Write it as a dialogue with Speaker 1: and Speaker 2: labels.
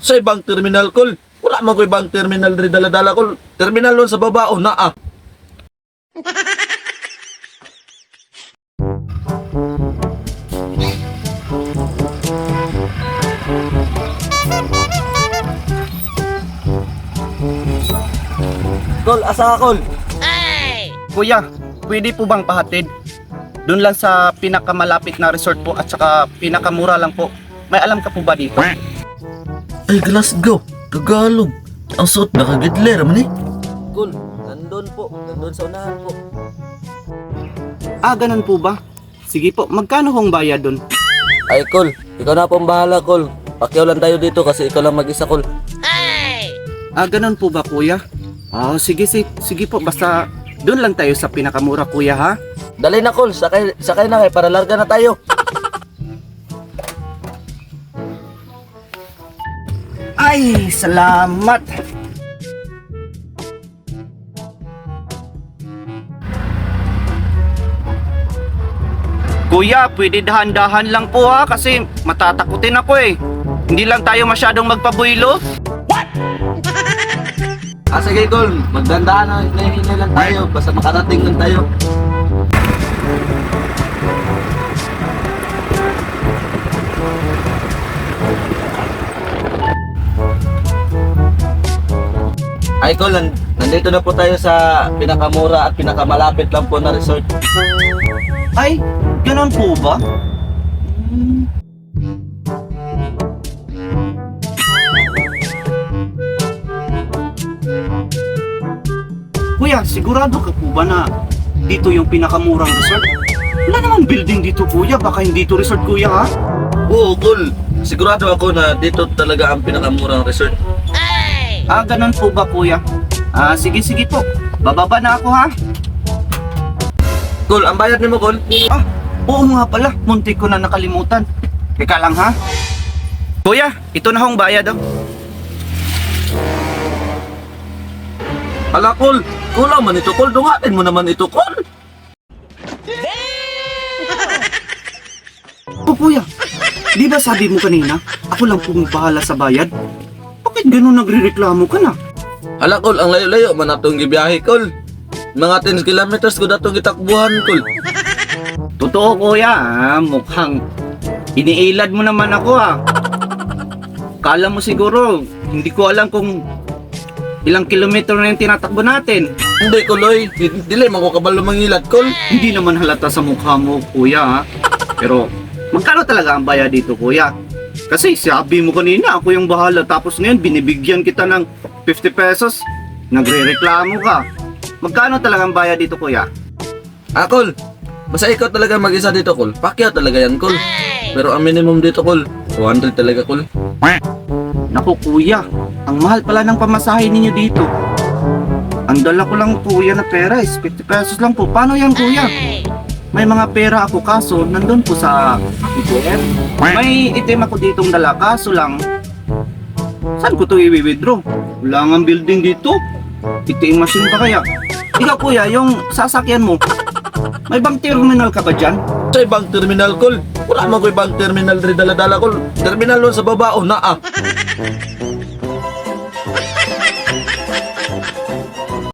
Speaker 1: Sa ibang terminal, kol. Wala man ko ibang terminal rin dala-dala, kol. Terminal nun sa babao na, ah. Kol, asa ka, kol?
Speaker 2: Kuya, pwede po bang pahatid? Doon lang sa pinakamalapit na resort po at saka pinakamura lang po. May alam ka po ba dito?
Speaker 1: Ay, Glasgow. Tagalog. Ang suot na kagidler man eh. Kol, nandun po. Nandun sa unahan po.
Speaker 2: Ah, ganun po ba? Sige po, magkano hong bayad doon?
Speaker 1: Ay, kol. Ikaw na pong bahala, kol. Pakiyaw lang tayo dito kasi ikaw lang mag-isa, kol.
Speaker 2: Ah, ganun po ba kuya? Ah, sige po, basta doon lang tayo sa pinakamura kuya ha?
Speaker 1: Dali na, kol. Sakay na kayo para larga na tayo.
Speaker 2: Ay, salamat! Kuya, pwede dahan-dahan lang po ha kasi matatakutin ako eh. Hindi lang tayo masyadong magpabuilo.
Speaker 1: Ah, sige, kol. Magdandaan na. Hinay lang tayo. Basta makarating lang tayo. Ay, kol. Nandito na po tayo sa pinakamura at pinakamalapit lang po na resort.
Speaker 2: Ay, ganun po ba? Kuya, sigurado ka po ba na dito yung pinakamurang resort? Wala namang building dito kuya, baka hindi to resort kuya ha?
Speaker 1: Oo, kol. Sigurado ako na dito talaga ang pinakamurang resort.
Speaker 2: Ah, ganun po ba kuya? Ah, sige po, bababa na ako ha?
Speaker 1: Kol, ang bayad ni mo, kol.
Speaker 2: Ah, oo nga pala, muntik ko na nakalimutan. Teka lang ha? Kuya, ito na hong bayad oh.
Speaker 1: Hala, kol. Kulang man ito, kol. Dungatin mo naman ito, kol.
Speaker 2: Oh kuya, di ba sabi mo kanina, ako lang pumapahala sa bayad? Bakit ganun nagrereklamo ka na?
Speaker 1: Hala, kol. Ang layo-layo man atong gibiyahe, kol. Mga 10 kilometers ko datong gitakbuhan, kol.
Speaker 2: Totoo kuya, mukhang iniilad mo naman ako ha. Kala mo siguro, hindi ko alam kung ilang kilometro na yung tinatakbo natin.
Speaker 1: Hindi, koloy. Dili man ko kabalo mangilad, kol.
Speaker 2: Hindi naman halata sa mukha mo kuya ha. Pero magkano talaga ang bayad dito kuya? Kasi sabi mo kanina ako yung bahala tapos ngayon binibigyan kita ng 50 pesos. Nagre-reklamo ka. Magkano talaga ang bayad dito kuya?
Speaker 1: Ah, kol. Basta ikaw talaga mag-isa dito, kol. Pakyaw talaga yan, kol. Pero ang minimum dito, kol, 200 talaga, kol.
Speaker 2: Naku kuya, ang mahal pala ng pamasahe ninyo dito. Ang dala ko lang kuya na pera is 50 pesos lang po. Paano yan kuya? May mga pera ako kaso nandun po sa ATM. May item ako ditong dala kaso lang saan ko to i-withdraw? Wala nga building dito. ATM machine pa kaya? Ikaw kuya, yung sasakyan mo, may bang terminal ka ba dyan?
Speaker 1: Sa ibang terminal, kol. Wala man ko ibang terminal rin dala-dala, kol. Terminal nun sa babao na, ah.